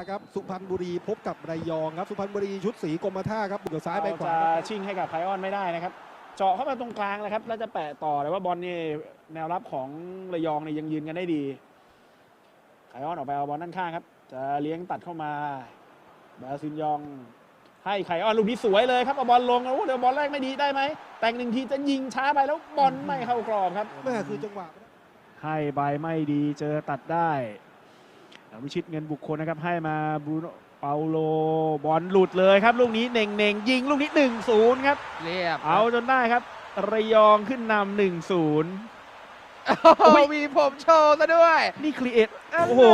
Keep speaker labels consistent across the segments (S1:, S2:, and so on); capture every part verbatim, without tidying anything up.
S1: ละครับสุพรรณบุรีพบกับระยองครับสุพรรณบุรีชุดสีกรมท่าครับบุกซ้ายไปขวา
S2: จะชิงให้กับไพออนไม่ได้นะครับเจาะเข้ามาตรงกลางนะครับแล้วจะแปะต่อแต่ว่าบอลนี่แนวรับของระยองนี่ยังยืนกันได้ดีไพออนออกไปเอาบอลด้านข้างครับจะเลี้ยงตัดเข้ามาบาซินยองให้ไคออนลูกนี้สวยเลยครับเอาบอลลงแล้วเดี๋ยวบอลแรกไม่ดีได้ไหมแต่งหนึ่งทีจะยิงช้าไปแล้วบอลไม่เข้ากรอบครับ
S1: แม่คือจังหวะ
S2: ให้ใบไม่ดีเจอตัดได้วิชิตเงินบุคคลนะครับให้มาบรูโนเปาโลบอลหลุดเลยครับลูกนี้เน่งเน่งยิงลูกนี้ หนึ่งศูนย์ ครับ
S3: เรียบ
S2: เอาจนได้ครับระยองขึ้นนำ หนึ่งศูนย์
S3: โอ้มีผมโชว์ซะด้วย
S2: นี่ครีเอทโอ้โห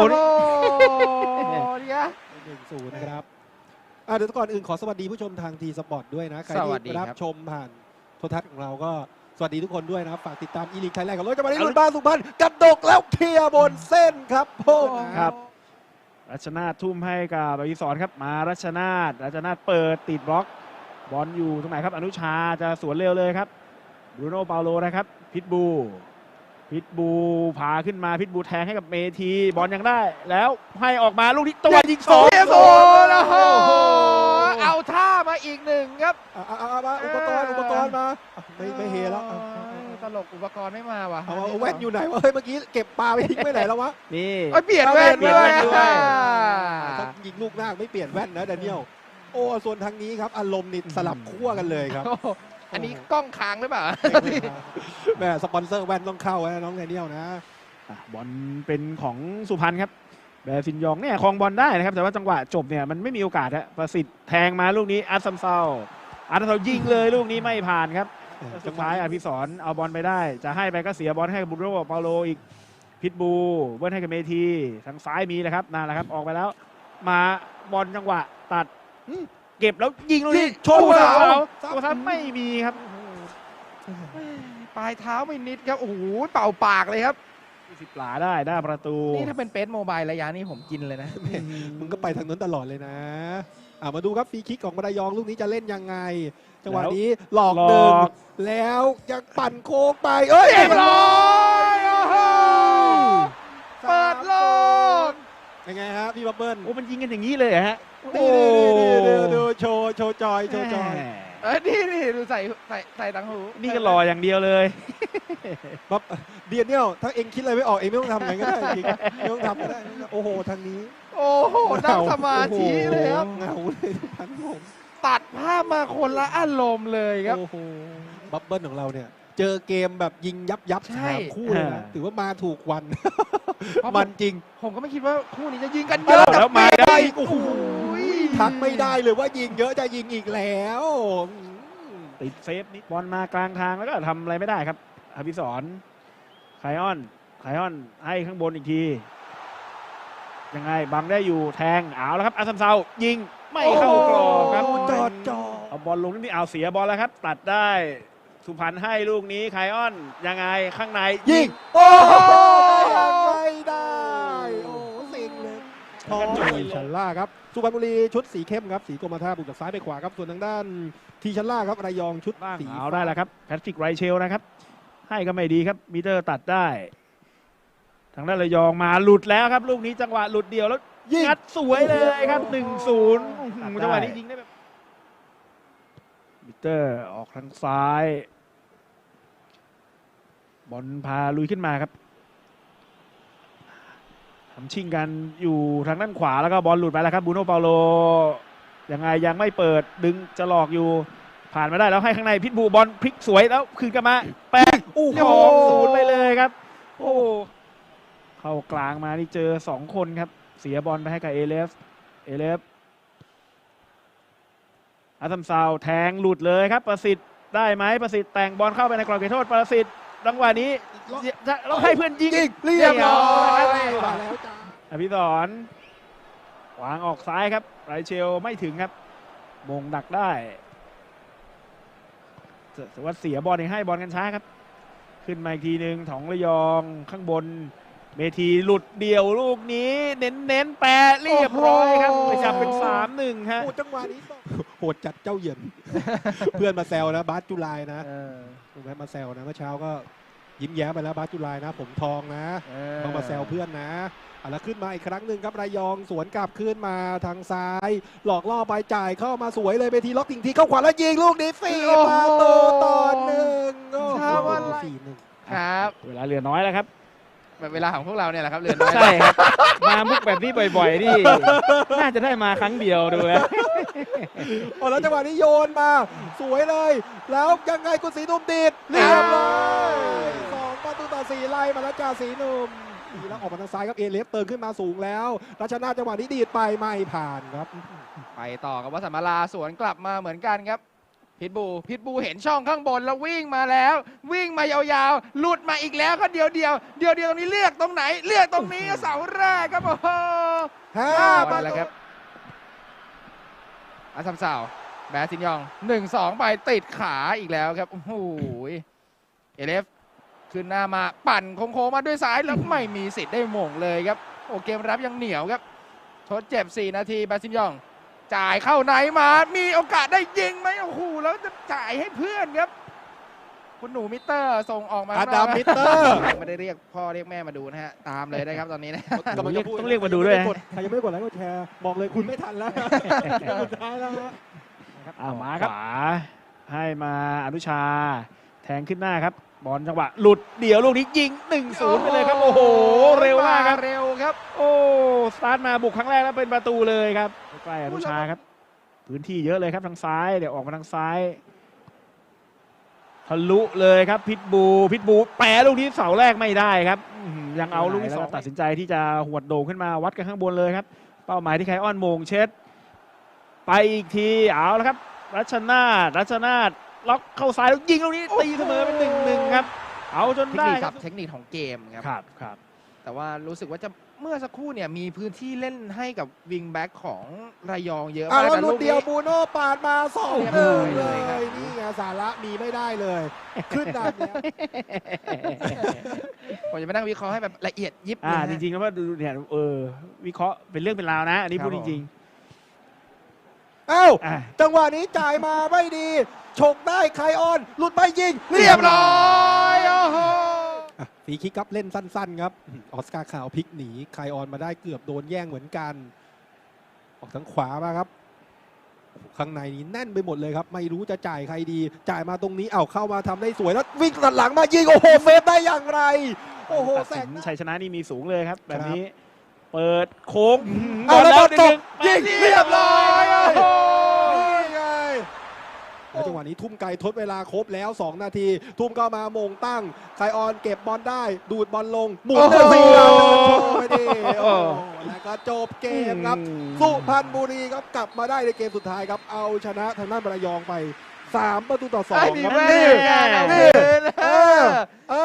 S3: เนี่ย
S1: หนึ่งศูนย์นะครับเดี๋ยวก่อนอื่นขอสวัสดีผู้ชมทางทีสปอร์ตด้วยนะใครที่รับชมผ่านโทรทัศน์ของเราก็สวัสดีทุกคนด้วยนะครับฝากติดตามอีลีกไทยแลนด์กับรถจะมาได้รุ่นบ้านสุพรรณกระดกแล้วเคลียร์บนเส้นครับพ่อ
S2: ครับรัชนาททุ่มให้กับอภิสรครับมารัชนาทรัชนาทเปิดติดบล็อกบอลอยู่ตรงไหนครับอนุชาจะสวนเร็วเลยครับบรูโน่เปาโลนะครับพิทบูพิทบูพาขึ้นมาพิทบูแทงให้กับเมทีบอลยังได้แล้วให้ออกมาลูกนี้ตัวยิงสอง
S3: โอ้โหเอาท่ามาอีกหนึ่งครับ
S1: เอามาอุปกรณ์อุปกรณ์มาไม่ไม่เฮแล้ว
S3: ตลกอุปกรณ์ไม่มาว่ะ
S1: เอาแว่นอยู่ไหนวะเฮ้ยเมื่อกี้เก็บปลาไปทิ้งไปไหนแล้ววะ
S2: นี่
S3: เปลี่ยนแว่นด้วย
S1: ถ้ายิงลูกหน้าไม่เปลี่ยนแว่นนะแดเนียลโอ้ส่วนทางนี้ครับอารมณ์นี่สลับขั้วกันเลยครับ
S3: อันนี้กล้องค้างหรือเปล่า
S1: แม่สปอนเซอร์แว่นต้องเข้านะน้องแดเนียลนะ
S2: บอลเป็นของสุพรรณครับแบซินยองเนี่ยคลองบอลได้นะครับแต่ว่าจังหวะจบเนี่ยมันไม่มีโอกาสฮะประสิทธิ์แทงมาลูกนี้อาร์ซัมเซาอาร์ซัมเซายิงเลยลูกนี้ไม่ผ่านครับสุดท้ายอภิสรเอาบอลไปได้จะให้ไปก็เสียบอลให้บูโรเปาโลอีกพิทบูเบิ้ลให้กับเมทีทางซ้ายมีเลยครับนั่นแหละครับออกไปแล้วมาบอลจังหวะตัดเก็บแล้วยิงลูกนี้โชว์เสาโอ้ครับไม่มีครับ
S3: ปลายเท้าไม่นิดครับโอ้โหเป่าปากเลยครับ
S2: สิบหลาได้ได้ประตู
S3: นี่ถ้าเป็นเปซโมบายระยะนี้ผมกินเลยนะ
S1: มึงก็ไปทางนั้นตลอดเลยนะมาดูครับฟรีคิกของระยองลูกนี้จะเล่นยังไงจังหวะนี้หลอกหนึ่งแล้วยังปั่นโค้งไปเอ้ย
S3: เรียบร้อยเปิดโลก
S1: ยังไงฮะพี่บับเบิ้ล
S2: โอ้มันยิงกันอย่างนี้เลยฮะ
S1: โอ้ดูโชว์โชว์จอยโชว์จอย
S3: เอ้ยนี่นี่ดูใส่ใส่ใส่ตังหู
S2: นี่ก็รออย่างเดียวเลย
S1: บับเดียนเนี่ยถ้าเองคิดอะไรไม่ออกเองไม่ต้องทำไงก็ได้จริงไม่ต้องทำก็ได้โอ้โหทางนี้
S3: โอ้โหนั่งสมาธิเลยครับ
S1: เงาเลยทุกท่านผม
S3: ตัดภาพมาคนละอารมณ์เลยครับ
S1: โอ้โหบับเบิ้ลของเราเนี่ยเจอเกมแบบยิงยับยับสามคู่เลยนะถือว่ามาถูกวันมันจริง
S3: ผมก็ไม่คิดว่าคู่นี้จะยิงกันเยอะ
S2: แล้วมาได้
S1: โอ้โหทักไม่ได้เลยว่ายิงเยอะจะยิงอีกแล้ว
S2: ติดเซฟนิดบอลมากลางทางแล้วก็ทำอะไรไม่ได้ครับอภิสรไคออนไคออนให้ข้างบนอีกทียังไงบังได้อยู่แทงเอาแล้วครับอาซัมเซายิงไม่เข้ากรอบครับ
S1: จอดจอ
S2: เอาบอลลงนี่เอาเสียบอลแล้วครับตัดได้สุพรรณให้ลูกนี้ไคออนยังไงข้างใน
S1: ยิงโอ้ไม่ได้โอ้สิงเลยทองชันล่าครับสุพรรณบุรีชุดสีเข้มครับสีกรมท่าบุกจากซ้ายไปขวาครับส่วนทางด้านทีชันล่าครับระยองชุดสี
S2: เอาได้แล้วครับแพทริกไรเชลนะครับให้ก็ไม่ดีครับมิเตอร์ตัดได้ทางด้านระยองมาหลุดแล้วครับลูกนี้จังหวะหลุดเดียวแล้วงัดสวยเลยครับ หนึ่งศูนย์ จังหวะนี้ยิงได้แบบมิเตอร์ออกทางซ้ายบอลพาลุยขึ้นมาครับทำชิงกันอยู่ทางด้านขวาแล้วก็บอลหลุดไปแล้วครับบูโน่เปาโลยังไงยังไม่เปิดดึงจะหลอกอยู่ผ่านมาได้แล้วให้ข้างในพิทบูบอลพลิกสวยแล้วคืนกลับมาแปะอู้หองศูนย์ไปเลยครับโอ้เข้ากลางมานี่เจอสองคนครับเสียบอลไปให้กับเอเลฟเอเลฟอาซัมซาวแทงหลุดเลยครับประสิทธิ์ได้ไหมประสิทธิ์แต่งบอลเข้าไปในกรอบเขตโทษประสิทธิ์จังหวะนี้เราให้เพื่อนยิง
S1: เรียบร้อยแล้วจ้า
S2: อภิสรวางออกซ้ายครับไรเชลไม่ถึงครับมงดักได้แต่ว่าเสียบอลเองให้บอลกันช้าครับขึ้นมาอีกทีหนึ่งของระยองข้างบนเมทีหลุดเดี่ยวลูกนี้เน้นเน้นแปะเรียบร้อยครับจับเป็น สามหนึ่ง ฮะ
S1: จังหวะนี้โหดจัดเจ้าเหยินเพื่อนมาแซวนะบาสจุลายนะถูกไหมมาแซวนะเมื่อเช้าก็ยิ้มแย้มไปแล้วบาสจุลายนะผมทองนะต้องมาแซวเพื่อนนะเอาละขึ้นมาอีกครั้งหนึ่งครับระยองสวนกลับขึ้นมาทางซ้าย หลอกล่อไปจ่ายเข้ามาสวยเลยไปทีล็อกทิ้งทีเข้าขวาแล้วยิงลูกนี้สี่ประตูต่อหนึ่งโอ้โหสี่หนึ่ง
S3: ครับ
S2: เวลาเหลือน้อยแล้วครับ
S3: แบบเวลาของพวกเราเนี่ยแหละครับเรือนน้อย
S2: ใช่ครับ มามุกแบบนี้บ่อยๆนี่ น่าจะได้มาครั้งเดียวดูแล้ว
S1: โอ้แล้วจังหวะนี้โยนมาสวยเลย แล้วยังไงคุณศรีหนุ่มดีดเรียบร้อยสองประตูต่อสี่ไล่มาแล้วจ่าศรีหนุ่มดีแล้วออกมาทางซ้ายครับเอเลฟเติมขึ้นมาสูงแล้วรัชนาธิ์จังหวะนี้ดีดไปไม่ผ่านครับ
S3: ไปต่อกับวัดสัมมาลาสวนกลับมาเหมือนกันครับพิทบูพิทบูเห็นช่องข้างบนแล้ววิ่งมาแล้ว วิ่งมายาวๆหลุดมาอีกแล้วก็เดียวเดียวเดียวเดียวตรงนี้เลือกตรงไหนเลือกตรงนี้เสาแรกครับโอ้โห
S1: ห้า
S3: ห้า
S1: ประ
S3: แล้ว
S1: ตู
S3: ครับอาซัมซาวแบร์ซินยองหนึ่งสองไปติดขาอีกแล้วครับโอ้โหเอเลฟขึ้นหน้ามาปั่นโค้งๆมาด้วยซ้ายแล้วไม่มีสิทธิ์ได้หม่งเลยครับโอ้เกมรับยังเหนียวครับทดเจ็บสี่นาทีแบร์ซินยองจ่ายเข้าไหนมา มีโอกาสได้ยิงไหมโอ้โห แล้วจะจ่ายให้เพื่อนครับ คุณหนูมิเตอร์ส่งออกมา
S1: อาดามมิเตอร์
S3: ไม่ได้เรียกพ่อเรียกแม่มาดูนะฮะ ตามเลยนะครับตอนนี้นะ
S1: กำลังจะพู
S2: ต้องเรียกมาดูด้วยนะ
S1: ใครยังไม่ได้กดไลค์กดแชร์บอกเลยคุณไม่ทันแล้วสุดท้ายแล้วฮะ
S2: อ่ามาครับขวาให้มาอนุชา แทงขึ้นหน้าครับ บอลจังหวะหลุดเดี่ยวลูกนี้ยิง หนึ่งศูนย์ ไปเลยครับ โอ้โห เร็วมากครับ
S3: เร็วครับ
S2: โอ้ สตาร์ทมาบุกครั้งแรกแล้วเป็นประตูเลยครับใกล้อนุชาครับ พื้นที่เยอะเลยครับทางซ้าย เดี๋ยวออกมาทางซ้ายทะลุเลยครับพิทบูพิทบูแปะลูกนี้เสาแรกไม่ได้ครับอื้อหือยังเอาลูกที่สองตัดสินใจที่จะหวดโด่งขึ้นมาวัดกันข้างบนเลยครับ เป้าหมายที่ไคออนโมงเช็ด ไปอีกทีเอาแล้วครับ รัชนาธิ์รัชนาธิ์ล็อกเข้าซ้ายแล้วยิงลูกนี้ตีเสมอเป็นหนึ่งหนึ่งครับ เอาจน
S3: เทค
S2: ได้
S3: นิค
S2: ค
S3: ค
S2: รั
S3: รับ บเทคนิคของเกมครับ
S2: ครับครับ
S3: แต่ว่ารู้สึกว่าจะเมื่อสักครู่เนี่ยมีพื้นที่เล่นให้กับวิงแบ็กของระยองเยอะ
S1: อ่ะ
S3: มาก
S1: แล้ว
S3: แต่
S1: ลู
S3: ลู
S1: ก
S3: ก
S1: เดียว
S3: นี้
S1: บูโน่ปาดมาสอง
S3: เรียบ
S1: หนึ่ง
S3: ร้อย
S1: เล
S3: เลยครับ
S1: ยนี่ไงสาระมีไม่ได้เลย ขึ้นดับแล้ว
S3: ผมจะไปนั่งวิเคราะห์ให้แบบละเอียดยิบ
S2: อ่า
S3: นะ
S2: จ
S3: ฮะ
S2: ริงๆแล้วว่าดูเนี่ยเออวิเคราะห์เป็นเรื่องเป็นราวนะ อันนี้
S3: ครับ
S2: พูดจริง
S1: เอ้า
S2: ๆอ่ะ
S1: จังหวะนี้จ่ายมาไม่ดีฉกได้ไคออนหลุดไปยิง
S3: เรียบร้อยโอ้โห
S1: อ่ะฟรีคิกครับเล่นสั้นๆครับออสการ์ขาวพลิกหนีไคออนมาได้เกือบโดนแย่งเหมือนกัน ออกทางขวามาครับโอ้โหข้างในนี้แน่นไปหมดเลยครับ ไม่รู้จะจ่ายใครดี จ่ายมาตรงนี้เอาเข้ามาทำได้สวยแล้ววิ่งตัดหลังมายิงโอ้โหเซฟได้อย่างไร โอ้โห
S2: ตัด
S1: แส
S2: สิ
S1: ง
S2: นชัยชนะนี่มีสูงเลยครับ แบบ
S1: ครับ
S2: นี้ เปิดโค้ง
S1: เอาแล้วบอลตก
S2: ยิ
S1: ยิ
S2: ง
S1: ง
S3: เรียบร้อยโอ้โห
S1: นี่ไงแล้วจังหวะนี้ทุ่มไกลทดเวลาครบแล้ว สอง นาที ทุ่มเข้ามาโมงตั้งไคออนเก็บบอลได้ ดูดบอลลง หมุนเลยสีดาวเดินโชว์ไปดิโอ้โหแล้วก็จบเกมครับ สุพรรณบุรีครับกลับมาได้ในเกมสุดท้ายครับ เอาชนะทางด้านระยองไป สาม ประตูต่อสอง
S3: ไอ้มี
S1: ครับ
S3: แม่
S1: นี่
S3: การเอา
S1: นี่
S3: คืน
S1: เออเอ